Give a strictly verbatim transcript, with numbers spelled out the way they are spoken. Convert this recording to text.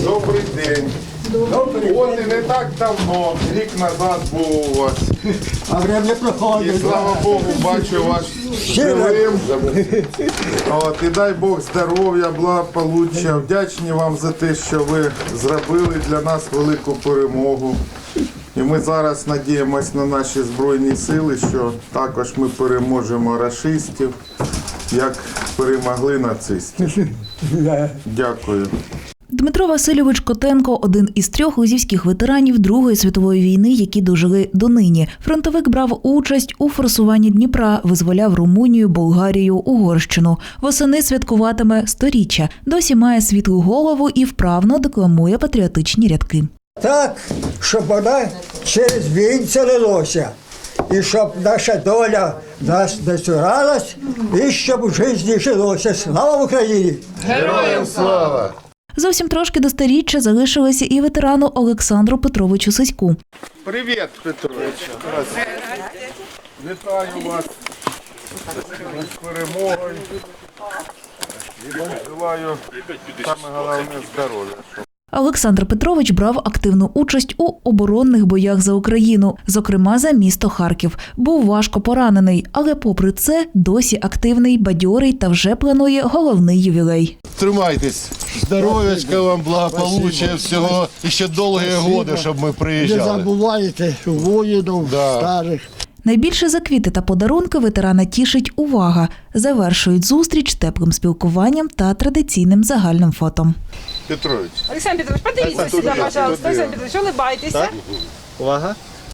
Добрий день. Добрий От і не так давно, рік назад був у вас. А время І проходить. слава Богу, бачу вас живим. От, і дай Бог здоров'я, благополуччя. Вдячні вам за те, що ви зробили для нас велику перемогу. І ми зараз надіємось на наші Збройні сили, що також ми переможемо рашистів, як перемогли нацистів. Дякую. Дмитро Васильович Котенко – один із трьох лозівських ветеранів Другої світової війни, які дожили донині. Фронтовик брав участь у форсуванні Дніпра, визволяв Румунію, Болгарію, Угорщину. Восени святкуватиме сторіччя. Досі має світлу голову і вправно декламує патріотичні рядки. Так, щоб вона через вінця лилося. І щоб наша доля нас не цуралась, і щоб у житті жилося. Слава Україні! Героям слава! Зовсім трошки до сторіччя залишилися і ветерану Олександру Петровичу Сиську. Привіт, Петрович. Вітаю вас з перемогою. Желаю саме головне здоров'я. Олександр Петрович брав активну участь у оборонних боях за Україну, зокрема за місто Харків. Був важко поранений, але попри це досі активний, бадьорий та вже планує головний ювілей. Тримайтесь, здоров'ячка вам, благополуччя, всього і ще довгі роки, щоб ми Не приїжджали. забувайте воїнів, Да. старих. Найбільше за квіти та подарунки ветерана тішить увага. Завершують зустріч теплим спілкуванням та традиційним загальним фото. Петрович. Александр Петрович, подивіться сюди, пожалуйста. Александр Петрович, улыбайтеся. Увага.